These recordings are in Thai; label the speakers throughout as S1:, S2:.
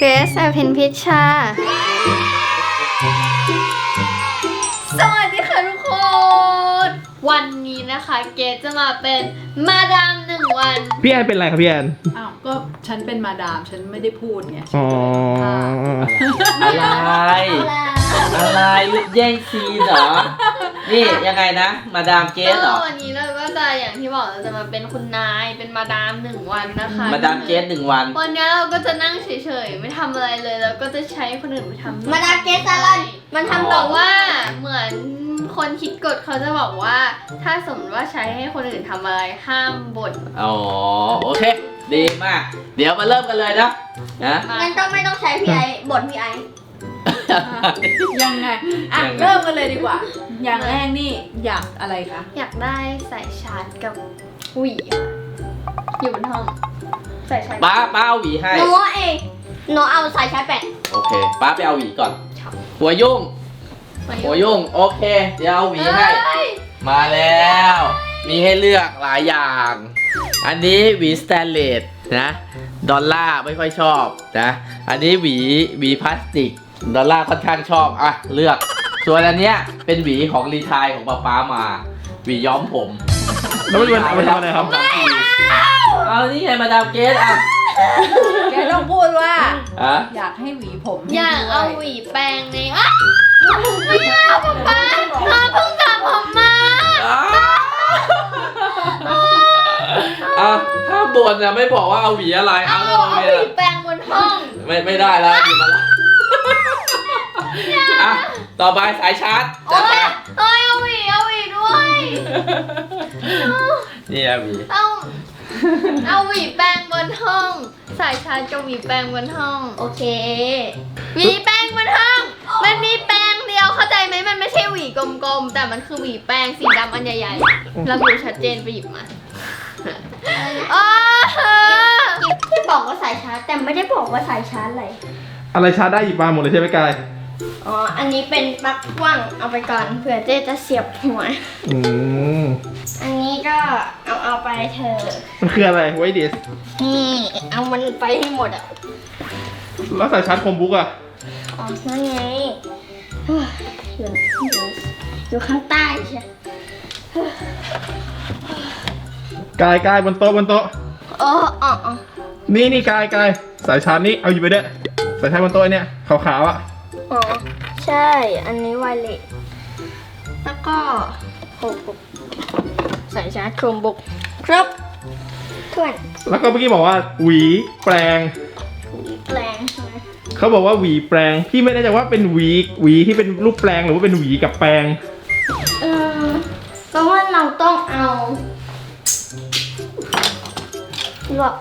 S1: เกรซอภินพิชชาสวัสดีค่ะทุกคน วันนี้นะคะเกรซจะมาเป็นมาดาม1 วัน
S2: พี่แอนเป็นอะไรครับพี่แอน
S3: อ้าวก็ฉันเป็นมาดามฉันไม่ได้พูดไง
S2: อ๋อ
S4: อะไรแย่งซีนเหรอ นี่ยังไงนะมาดามเกสเหรอ
S1: วันนี้เราก็จะอย่างที่บอกเราจะมาเป็นคุณนายเป็นมาดาม1 วันนะคะ
S4: มาดามเกส1 วัน
S1: วันนี้เราก็จะนั่งเฉยๆไม่ทำอะไรเลยแล้วก็จะใช้คนอื่นไปทำ
S5: มาดามเกสซาลอนมันทำ
S1: บ
S5: ต่
S1: อ
S5: อก
S1: ว่าเหมือนคนคิดกฎเขาจะบอกว่า ถ้าสมมติว่าใช้ให้คนอื่นทำอะไรห้ามบ่น
S4: อ๋อโอเค ดีมาก เดี๋ยวมาเริ่มกันเลยนะ
S5: งั้นก็ไม่ต้องใช้พี่ไอบทพี่ไอ
S3: ยังไงอ่ะ
S4: ยังไง
S3: เริ่มกันเลยดีกว่า อย่างแรกนี่อยากอะไรคะ
S1: อยากได้สายชาร์จกับหวีค่ะอยู่บนห้องสายชาร์จ
S4: ป้าเอาหวีให้
S5: หนูเอาสายชาร์จแบต
S4: โอเคป้าไปเอาหวีก่อน หัวยุ่งโอเค เดี๋ยวเอาหวีให้ มาแล้ว มีให้เลือกหลายอย่าง อันนี้หวีสแตนเลสนะดอลล่าไม่ค่อยชอบนะอันนี้หวีพลาสติกดอลล่าค่อนข้างชอบอ่ะเลือกส่วนอันเนี้ยเป็นหวีของรีไทร์ของป๊ามาหวีย้อมผม
S2: แล้วมันเอาไปทำอะไรครับ
S4: เอานี่ไงมาดามเกสอ่ะ
S3: แกต้องพูดว่า
S4: อ่ะ
S3: อยากให้หวีผม
S1: อยากเอาหวีแปรงในอ้าวไม่เอาป๊าเพิ่งสระผมมา
S4: อ่ะถ้าบ่นนะไม่บอกว่าเอาหวีอะไรเอา
S1: เอาหวีแปรงบนห้อง
S4: ไม่ได้แล้วหยิบมาแล้วอ่ะต่อไปสายชาร์จ
S1: โอ้ยเอาหวีด้วย
S4: นี่อะหวี
S1: เอาหวีแปรงบนห้อง สายชาร์จกับหวีแปรงบนห้อง
S5: โอเค
S1: หวีแปรงบนห้อง มันมีแปรงเดียวเข้าใจไหมมันไม่ใช่หวีกลมๆแต่มันคือหวีแปรงสีดำอันใหญ่ๆระบุชัดเจนไปหยิบมาอ๋อ
S5: ที่บอกว่าสายชาร์จแต่ไม่ได้บอกว่าสายชาร์จอะไร
S2: อะไรชาร์จได้หยิบมาหมดเลยใช่ไหมกาย
S5: อ๋ออันนี้เป็นปลั๊กพ่วงเอาไปก่อนเผื่อเจ๊จะเสียบหัว
S2: อืม
S5: อันนี้ก็เอาไปเถอะ
S2: มันคืออะไรไวดิส
S5: นี่เอามันไปให้หมดอ่ะ
S2: แล้วสายชาร์จคอมบุ๊กอะ
S5: อ๋อนั่นไงเฮ้ยอยู่ข้างใต้ใช่
S2: กายบนโต๊ะ
S5: อ๋อ
S2: นี่กายสายชาร์จนี่เอาหยิบไปด้วยสายชาร์จบนโต๊ะเนี่ยขาวๆอะ
S5: อ๋อใช่อันนี้ไวเลสแล้วก็โคบุกสายชาร์จโครมบุกครับเพื่อน
S2: แล้วก็เมื่อกี้บอกว่าหวีแปรง
S5: แปลงใช่ไหม
S2: เขาบอกว่าหวีแปรงพี่ไม่แน่ใจว่าเป็นหวีที่เป็นรูปแปรงหรือว่าเป็นหวีกับแปรง
S5: เพราะว่าเราต้องเอาหล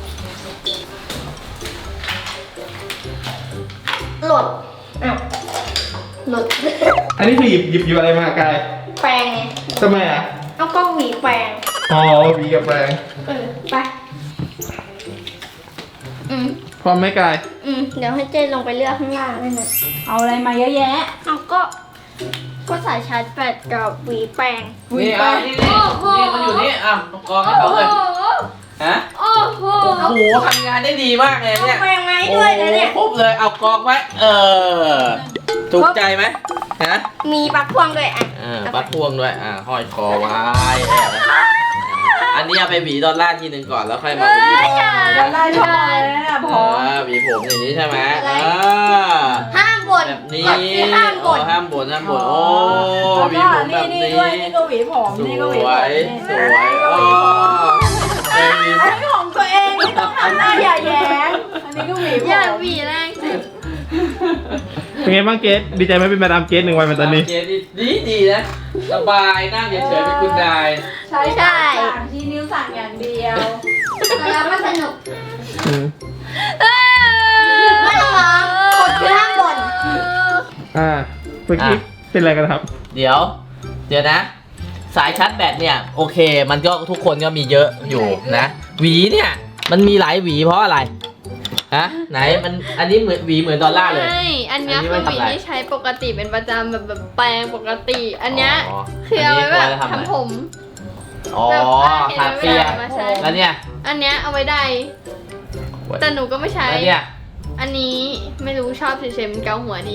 S5: ดอ้าวหลด
S2: อันนี้คือหยิบอะไรมากาย
S5: แปลงไง
S2: ทำไมอะ
S5: เอาก็หวีแปลง
S2: อ๋อหวีกับแปรง
S5: ไป
S2: พร้อมไหมกาย
S5: เดี๋ยวให้เจนลงไปเลือกข้างล่างนั่นนะ
S3: เอาอะไรมาเยอะแยะ
S5: เอาก็สายชาร์จแบตกับหวีแปลง
S4: นี่อ่ะนี่มันอยู่นี่อ่ะกองให้เขาเลยฮะ
S1: โอ้โห
S4: โอ้โหทำงานได้ดีมากเลย
S5: เอา
S4: เนี่ย
S5: แปลงไม้ด้วยนะเนี่ย
S4: ครบเลยเอากองไว้ถูกใจไหมฮะ
S5: มีปลั๊กพ่วงด้วยอ่ะ
S4: ปลั๊กพ่วงด้วยห้อยคอไว้แอบไว้อันนี้เอาไปหวีดอลลาร์ทีหนึ่งก่อนแล้วค่อยมาหวีผม
S3: ดอลลาร์ชอบเลยนะพอ
S4: หวีผมอย่างนี้ใช่ไหม
S5: ห้ามบ่น
S4: แบบนี้
S5: กฎคือห้ามบ่น
S4: ห้ามบ่นโอ้หวี
S3: แล้ว
S4: ผ
S3: ก็
S4: มแบบ
S3: นี่
S4: นี้
S3: ด้วยนี่ก็หวีผม
S4: ส
S3: นี่ก็หวีผ
S4: ว
S3: ม
S4: ย
S3: นี่
S4: สวยอ๋อหวี
S3: อันนี้ของตัวเองไม่ต้องทำหน้าอย่าแย้งอันนี้ก็หวีผม
S1: อยากหวีแรงสิ
S2: เป็นไงบ้างเกสดีใจไหมเป็นมาดามเกส1 วันเป็นตอนนี้
S4: เกดีนะสบายนั่งเฉยๆเป็นคุณนาย
S3: ใช้สั่งชี้นิ้วสั่งอย่างเดียว
S5: แล้วมันสนุก
S2: อืม
S5: ไม่ต้องร้องกฎคือห้ามบ่น
S2: เมื่อกี้เป็นอะไรกันครับ
S4: เดี๋ยวนะ สายชาร์จแบตเนี่ยโอเค มันก็ทุกคนก็มีเยอะอยู่นะหวีเนี่ยมันมีหลายหวีเพราะอะไรฮะไหนมันอันนี้เหมือนหวีเหมือนดอลลาร์เลย
S1: ใช่อันเนี้ย
S4: อันนี้
S1: คือ
S4: ไว้
S1: หวี
S4: ทำอะไร
S1: ที่ใช้ปกติเป็นประจำแบบแปรงปกติ อันเนี้ย
S4: อ๋อ
S1: คือเอาไว้
S4: น
S1: แบ
S4: นี้
S1: บ
S4: ทำอะไร
S1: ทำผม
S4: อ๋อ
S1: แบบเห็น
S4: ทา
S1: ไหม
S4: เปีย
S1: เวลามาใช้
S4: แล้วเนี่ย
S1: อันเนี้ยเอาไว้ใดแต่หนูก็ไม่ใช้
S4: แล้วเนี่ย
S1: อัอันนี้ไม่รู้ชอบเฉยๆมันเกาหัวดี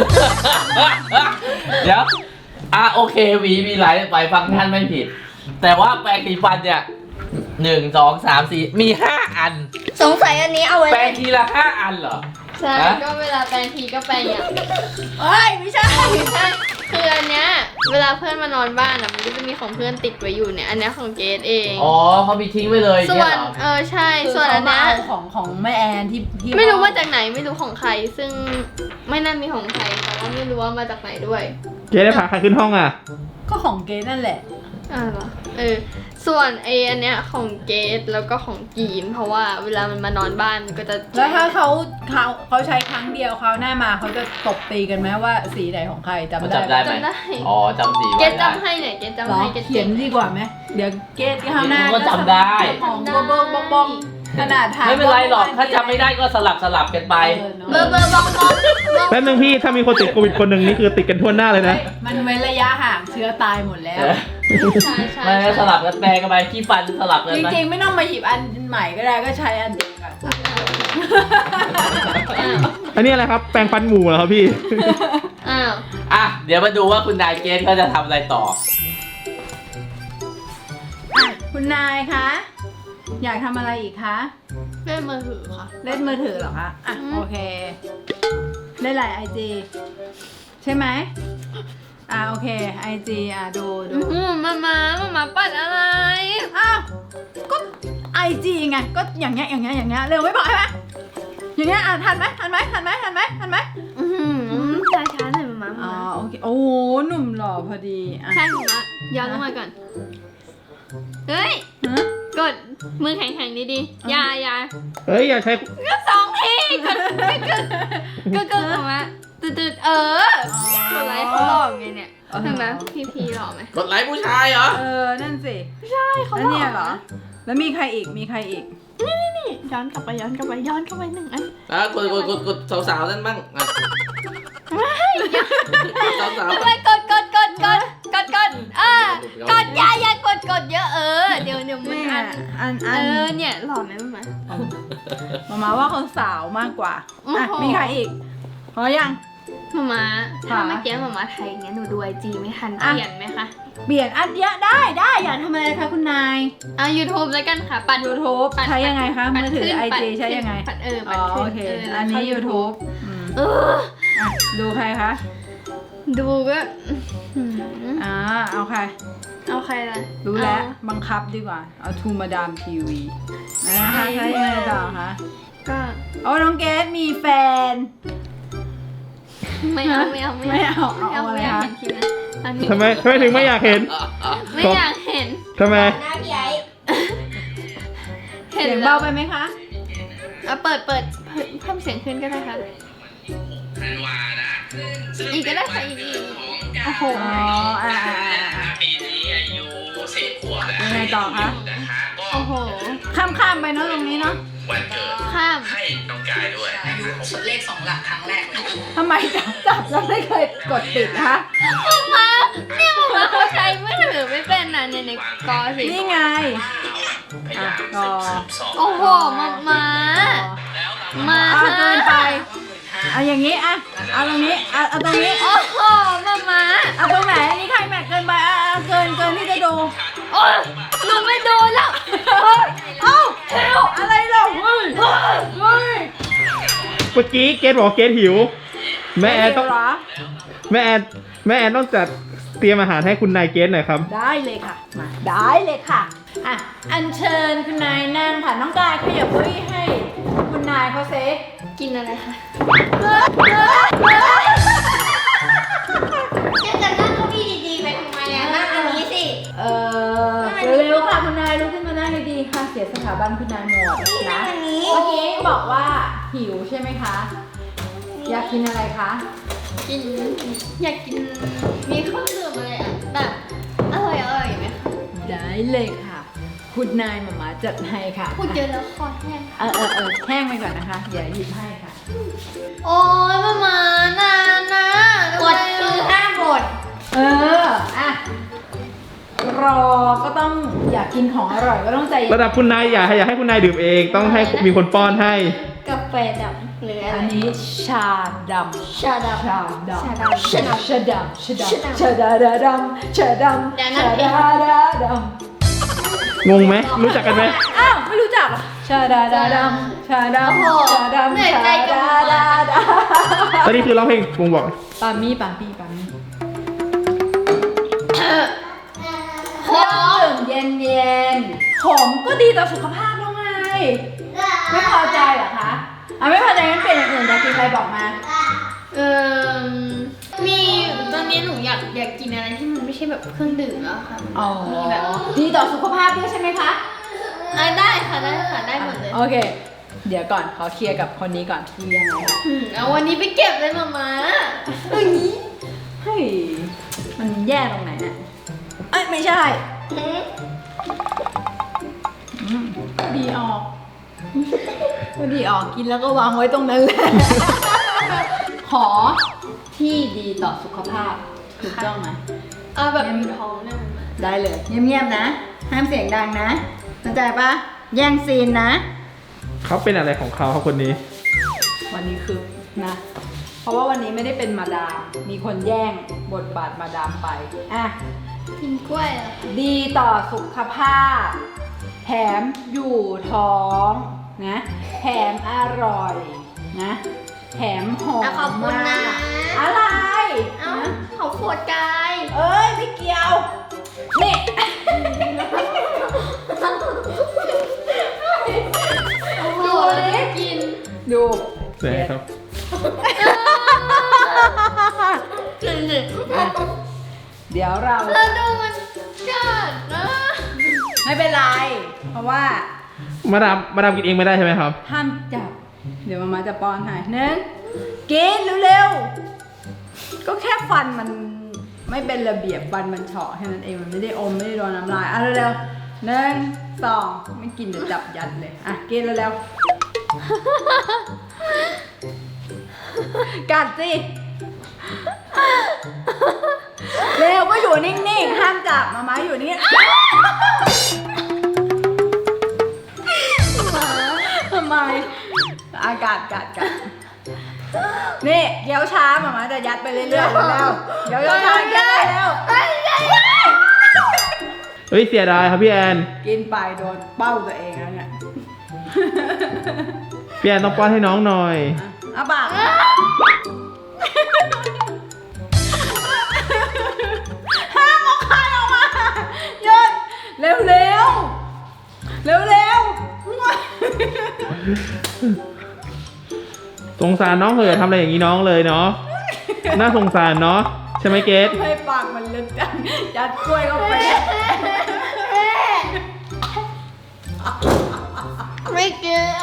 S4: เดี๋ยวโอเคหวีมีหลายฟังก์ชันไม่ผิด แต่ว่าแปรงสีฟันเนี่ย1 2 3 4มี5 อัน
S5: สงสัยอันนี้เอาไว้
S4: แปรงทีละ5 อันเหรอ
S1: ใช่
S4: ฮะ
S1: ก็เวลาแปรงทีก็แปรงอย่าง
S3: เอ้ยไม่ใช่
S1: ใช่คืออันเนี้ยเวลาเพื่อนมานอนบ้านอ่ะมันก็จะมีของเพื่อนติดไว้อยู่เนี่ยอันเนี้ยของเกดเอง
S4: อ๋อเขามีทิ้งไว้เลย
S1: ส่
S4: เนี่
S1: วย น
S4: เหรอ
S1: ใช่ส่วนอันเนี้ย
S3: ของแม่แอนที่
S1: ไม่รู้มาจากไหนไม่รู้ของใคร ซึ่งไม่น่ามีของใครแต่ว่าไม่รู้ว่ามาจากไหนด้วย
S2: เกได้พาใครขึ้นห้องอ่ะ
S3: ก็ของเกดนั่นแหละ
S1: เหรอส่วนอันเนี้ยของเกดแล้วก็ของกีนเพราะว่าเวลามันมานอนบ้านมันก็จะ
S3: แล้วถ้าเขาใช้ครั้งเดียวเขาหน้ามาเขาจะตบตีกันไหมว่าสีไหนของใครจำ
S4: มัน
S3: ได้
S4: จำได้ไหม
S1: จำได้
S4: อ๋อจำสี
S1: เก
S4: ไว้
S1: ด
S4: ได้
S1: จำให้เนี่ยเกด
S3: เหร
S1: จำ
S3: อ
S1: ให้เกด
S3: เขียนดีกว่าไหมเดี๋ยวเกดข้างหน้า
S4: ก็จำได้
S3: ของบ้องขนาดถาม
S4: ไม่เป็นไรหรอกถ้าจำไม่ได้ก็สลับกันไป
S1: เบอร์บองบอง
S2: แป๊บนึงพี่ถ้ามีคนติดโควิดคนหนึ่งนี่คือติดกันทั่วหน้าเลยนะ
S3: มันเว้นระยะห่างเชื้อตายหมดแล้ว
S1: ใช่ใช่
S4: ไม่สลับกันแปลงกันไปขี้ฟันสลับกัน
S3: จ
S4: ไป
S3: ริงๆไม่ต้องมาหยิบอันใหม่ก็ได้ก็ใช้อันเดียวกัน
S2: อันนี้อะไรครับแปรงฟันหมูเหรอครับพี่
S1: อ้าว
S4: เดี๋ยวมาดูว่าคุณนายเกสเขาจะทำอะไรต่อ
S3: คุณนายคะอยากทำอะไรอีกคะ
S1: เล่นมือถือค่ะ
S3: เล่นมือถือเหรอคะอ่ะ
S1: อืม
S3: โอเคเล่นหลายไอจีใช่ไหมโอเคไอจีดู
S1: มาปัดอะไร
S3: อ้าวก็ไอจีไงก็อย่างเงี้ยเร็วไม่บอกใช่ไหมอย่างเงี้ยทันไหมช้าๆหน่อยมาโอเคโอ้โหหนุ่มหล่อพอดีอ่ะ
S1: ใช่หนูนะย้อนลงมาก่อนเฮ้ย
S3: ฮะ
S1: กดมือแข็งๆดีๆอย่า
S2: เฮ้ยอย่าใช้
S1: ก็2 ทีก็ออกมาตืดกดไลค์เขาหล่อไงเนี่ยเห็นไหมพี่หล่อไหม
S4: กดไลค์ผู้ชายเหรอ
S3: นั่นสิ
S1: ใช่เขา
S3: แล้ว
S1: หล่อ
S3: เนี่ยเหรอแล้วมีใครอีก
S1: นี่ย้อนกลับไป1 อัน
S4: กดสาวๆนั่นบ้างสาว
S1: ไปกดอย่ากดเยอะเดี๋ยวมัน
S3: นี่
S1: อัน เนี่ยหล่อไหมมั้ย
S3: มาว่าคนสาวมากกว่า
S1: โอ้โห
S3: มีใครอีกพอยัง
S1: มาถ้า
S3: ค่ะ
S1: เมื่อกี้มาไทยงั้นหนูดูไอจีไม่ทัน
S3: อ่ะ
S1: เปลี่ยนไหมคะ
S3: เปลี่ยนอันเยอะได้อยากทำอะไรคะคุณนาย
S1: YouTube แล้วกันค่ะปัด
S3: YouTube
S1: ปัด
S3: ใช้ยังไงคะ
S1: ปัด
S3: มือถือ
S1: ขึ้น
S3: IG
S1: ปัด
S3: ใช้ยังไง
S1: ปัดปั
S3: อ๋
S1: ด
S3: อ
S1: ขึ้
S3: โอเค
S1: แล้ว
S3: อันนี้
S1: เข้า
S3: YouTube
S1: เออ
S3: ดูใครคะ
S1: ดูก็
S3: เอาใคร
S1: เอาใครล่ะ
S3: รู้แล้วบังคับดีกว่าเอาทูมาดามทีวีนะคะใช้ยังไงต่อคะ
S1: ก็
S3: น้องเกดมีแฟน
S1: ไม่เอา
S3: เอาอะไรคะ
S1: เห็นคลิปนะอันนี้
S2: ทำไมถึงไม่อยากเห็น
S1: ไม่อยากเห็น
S2: ทำไม
S5: หน้าพี่ไอ้
S3: เสียงเบาไปไหมคะ
S1: เปิดเพิ่มเสียงขึ้นก็ได้ค่ะอีกก็ได้ค่ะอีกโอ้โห
S4: ปีนี้อายุ10 ขวบแล้ว
S3: ยังไงต่อคะ
S4: นะคะก็
S1: โอ้โห
S3: ข้ามไปเนาะตรงนี้เนาะ
S4: วันเกิด
S1: ข้าม
S4: ให้น้องกายด้วย
S6: เลข2 หลักครั้งแรกเลย
S3: ทำไมจับแล้วไม่เคยกดปิดคะ
S1: มาเนี่ยมาเขาใช้มือถือไม่เป็นนะเนี่ยในกอสิ
S3: นี่ไง
S4: พยายาม
S3: ต่อ
S1: โอ้โหมา
S3: เกินไปเอาอย่างนี้เอาตรงนี้เอาตรงนี้
S1: โอ้โหมา
S3: เอาตรงไหนอันนี้ใครแม็กเกินไปเกินที่จะดู
S1: โอ้ยหนูไม่ดูแล้ว
S3: อะไรหรอเฮ้ย
S2: เมื่อกี้เกดบอกเกดหิว แม่แอนต้อง
S3: เหรอ
S2: แม่แอนต้องจัดเตรียมอาหารให้คุณนายเกดหน่อยครับ
S3: ได้เลยค่ะมาได้เลยค่ะอัญเชิญคุณนายนั่งค่ะน้องกายขยับเก้าอี้ให้คุณนายเขาเซ
S1: กินอะไรคะ
S5: จะนั่งเก้าอี้ดีๆไปทำไมนั่งอันนี้สิ
S3: เร็วๆค่ะคุณนายลุกขึ้นมานั่งดีๆค่ะเสียสถาบันคุณนายหมดนะ
S5: อันนี้
S3: เมื่อกี้บอกว่าหิวใช่ไหมคะ อยากกินอะไรคะ
S1: อยากกินมีเครื่องดื่มอะไรแบบอร่อยไหมคะ
S3: ได้เลยค่ะ คุณนายมาจัดให้ค่ะ
S1: พูดเยอะแล้วคอแห้ง
S3: แห้งไปก่อนนะคะเดี๋ยวหยิบให้ค่ะ
S1: โอ้ยมานานนะ
S5: กดคือห้ามกด
S3: รอก็ต้องอยากกินของอร่อยก็ต้องใจเย็น
S2: ระดับคุณนายอยากให้คุณนายดื่มเอง ต้องให้มีคนป้อนให้
S1: กาแฟ
S5: ฟดำหรืออะไร
S3: อันนี้ชาดำ
S5: ชาดำ
S3: ชาดำ
S5: ชาดำ
S3: ชาดำชาดำชาดำชาดาดาดำชาดำ
S5: เดี๋ยวนะ
S3: ชาดาดาด
S2: งงไหมรู้จักกันไหม
S3: ำอ้าวไม่รู้จักเหรอชาดาดาดำชาดำชาดำ
S1: เหนื่อย
S3: ชา
S1: ใจกับ
S3: ดา
S1: หมอ
S3: ดาดา
S2: ตอนนี้คือร้องเพลงวงบอก
S3: ปามี่ปามี่ปามี่เครื่องดื่มเย็นๆขมก็ดีต่อสุขภาพแล้วไงไม่พอใจเหรอคะไม่พอใจงั้นเปลี่ยนอย่างอื่นอยากกินอะไรบอกมา
S1: มีตอนนี้หนูอยากกินอะไรที่มันไม่ใช่แบบเครื่องดื่มแล้วค่ะ
S3: อ๋อ
S1: มีแบบ
S3: ดีต่อสุขภาพด้วยใช่ไหมคะ
S1: ได้ค่ะได้หมดเลย
S3: โอเค เดี๋ยวก่อนขอเคลียร์กับคนนี้ก่อนที่ยังไงคะ
S1: เอาวันนี้ไปเก็บเลยมาม่า
S3: เฮ้ย มันแย่ตรงไหนเนี่ยเอ้ยไม่ใช่ดีออกดีออกกินแล้วก็วางไว้ตรงนั้นแหละ ขอที่ดีต่อสุขภาพถูกต้องไหม
S1: เอาแบบมีท้องเนี่ยมันมา
S3: ได้เลยเงียบๆนะ ห้ามเสียงดังนะเข้าใจปะแย่งซีนนะ
S2: เขาเป็นอะไรของเขาคนนี้
S3: วันนี้คือนะ เพราะว่าวันนี้ไม่ได้เป็นมาดาม มีคนแย่งบทบาทมาดามไป อ่ะ
S1: กินกล้วยเหรอ
S3: ดีต่อสุขภาพ แถมอยู่ท้องนะ แถมอร่อยนะ แถมหอม
S1: ขอบคุณนะ
S3: มากอะไร
S1: เอ้า
S3: นะ
S1: เขาขวดกาย
S3: เอ้ย ไม่เกี่ยว นี่
S1: ดูเลยกิน
S3: ดู
S2: ใช่ครับ
S1: กินสิ
S3: เดี๋ยวเรา
S1: แล้วดูมันกัดนะ
S3: ไม่เป็นไร เพราะว่า
S2: มาดามกินเองไม่ได้ใช่ไหมครับ
S3: ห้ามจับ เดี๋ยวมาจะป้อนให้หนึ่งกินเร็วๆ ก็แค่ฟันมันไม่เป็นระเบียบฟันมันเฉาะแค่นั้นเองมันไม่ได้อมไม่ได้โดนน้ำลายอ่ะเร็วๆหนึ่งสองไม่กินเดี๋ยวจับยัดเลยอ่ะกินเร็วๆกัดสิเร็วก็อยู่นิ่งๆห้ามจับมาอยู่นิ่งทำไมอากาศกัดนี่เดี๋ยวช้ามาจะยัดไปเรื่อยๆแล้วเดี๋ยวช้ายัดแล้ว
S2: เฮ้ยเสียดายครับพี่แอน
S3: กินไปโดนเป้าตัวเองแล้วเนี่ย
S2: พี่แอนต้องป้อนให้น้องหน่อย
S3: เอาปากห้ามเอาคายออกมาหยุดเร็ว
S2: สงสารน้องเหอะทำอะไรอย่างนี้น้องเลยเนาะ น่าสงสารเนาะใช่ไหมเกด
S3: ให้ปากมันลึกจังยัดกล้วยเข้าไป
S1: ไม่กิน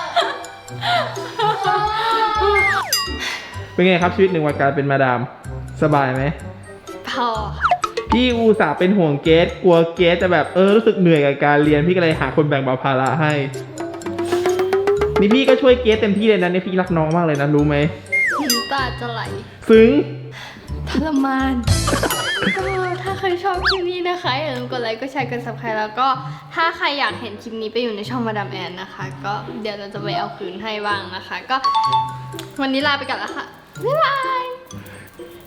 S2: เป็นไงครับชีวิตหนึ่งวันการเป็นมาดาม สบายไหม
S1: พอ
S2: พี่อุตส่าห์เป็นห่วงเกดกลัวเกดจะแบบรู้สึกเหนื่อยกับการเรียนพี่ก็เลยหาคนแบ่งเบาภาระให้ นี่พี่ก็ช่วยเกดเต็มที่เลยนะเนี่ยพี่รักน้องมากเลยนะรู้ไหม
S1: น้ำตาจะไหล
S2: ซึ้ง
S1: ทรมาน ก็ถ้าใครชอบคลิปนี้นะคะอย่าลืมกดไลค์กดแชร์กด subscribe แล้วก็ถ้าใครอยากเห็นคลิปนี้ไปอยู่ในช่องมาดามแอนนะคะ ก็เดี๋ยวเราจะไปเอาคืนให้บ้างนะคะ ก็วันนี้ลาไปก่อนแล้วค่ะ บ๊ายบาย